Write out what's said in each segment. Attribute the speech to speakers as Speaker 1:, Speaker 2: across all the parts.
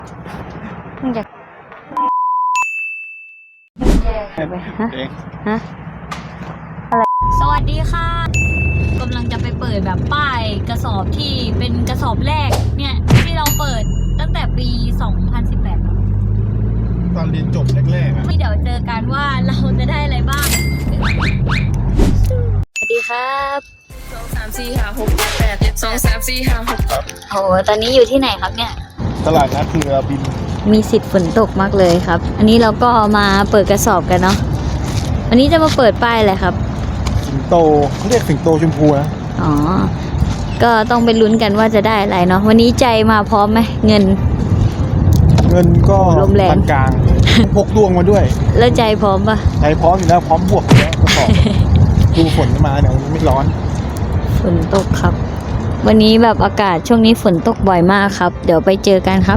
Speaker 1: มึงจะไปฮะอะไรสวัสดีค่ะกำลังจะไปเปิดแบบป้ายกระสอบที่เป็นกระสอบแรกเนี่ยที่เราเปิดตั้งแต่ปี 2018
Speaker 2: ตอนเรียนจบแรกๆอ่ะ
Speaker 1: ที่เดี๋ยวเจอกันว่าเราจะได้อะไรบ้างสวัสดีครับโหตอนนี้อยู่ที่ไหนครับเนี่ย
Speaker 2: ตลาดนัดเรือบิน
Speaker 1: มีสิทธิ์ฝนตกมากเลยครับอันนี้เราก็มาเปิดกระสอบกันเนาะวันนี้จะมาเปิดป้ายอะไรครับ
Speaker 2: สิงโตเขาเรียกสิงโตชมพูนะ
Speaker 1: อ๋อก็ต้องไปลุ้นกันว่าจะได้อะไรเนาะวันนี้ใจมาพร้อมไหมเงิน
Speaker 2: ก็
Speaker 1: ลมแรง
Speaker 2: กลางพกดวงมาด้วย
Speaker 1: แล้วใจพร้อมปะ
Speaker 2: ใจพร้อมอยู่แล้วพร้อมบวกอยู่แล้วก็สอบดูฝนมาเดี๋ยวมันไม่ร้อน
Speaker 1: ฝนตกครับวันนี้แบบอากาศช่วงนี้ฝนตกบ่อยมากครับเดี๋ยวไปเจอกันครับ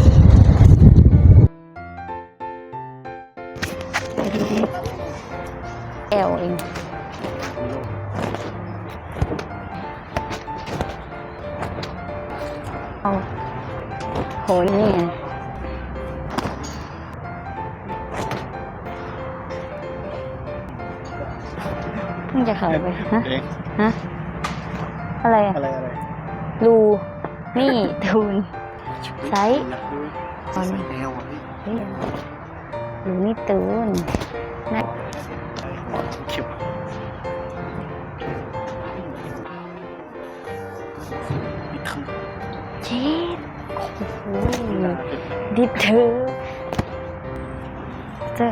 Speaker 1: แอลเองเอาโหนี่ไงมึงจะเข้าไปฮะอะไรอะรูนี่ทูนไซส์ตอนนี้รูนี่ตูนนะเช็ดโอ้โหดิบเธอเจอ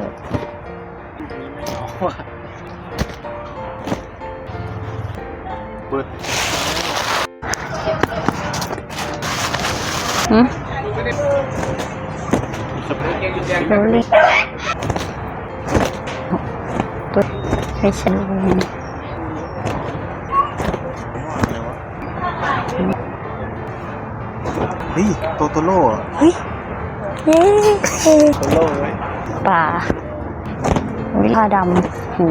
Speaker 2: เปิด
Speaker 1: รู้เลยตัวไม่ฉันเลย
Speaker 2: เฮ้ยโตโร่
Speaker 1: เฮ้ย
Speaker 2: โตโร่เลย
Speaker 1: ป่าผ้าดำหู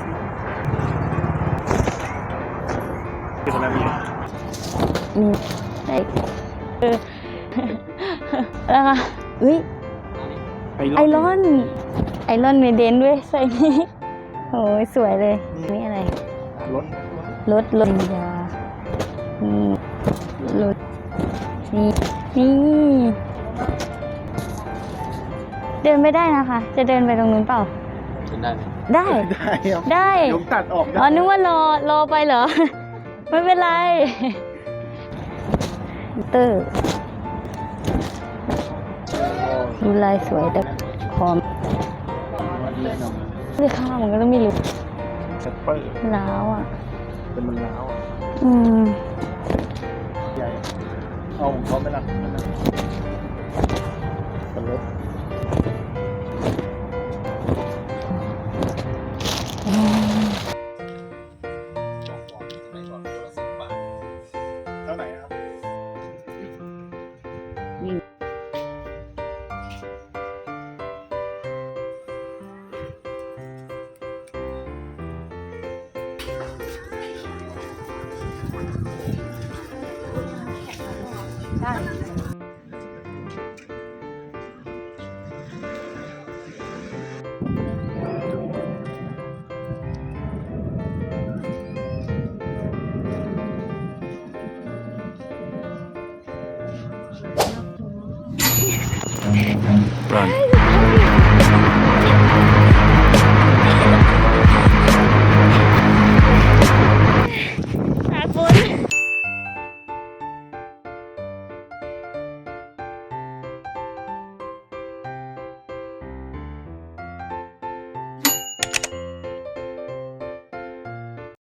Speaker 1: มีแล้วก็เฮ้ยไอรอนเมเดนด้วยใส่นี้โอ้ยสวยเลยนี่อะไรรถยานี่รถนี่เดินไม่ได้นะคะจะเดินไปตรงนู้นเปล่าได้
Speaker 2: ยกตัดออก
Speaker 1: อ๋อนึกว่ารอไปเหรอไม่เป็นไรเตอร์ดูลายสวยแต่พร้อมที่ข้าวมันก็ต้องมีลุกล้าวอ่ะ
Speaker 2: เป็นมันล้าวใหญ่เอาของเขาไม่ละเป็นรถเท่าไหร่ครับ
Speaker 1: Run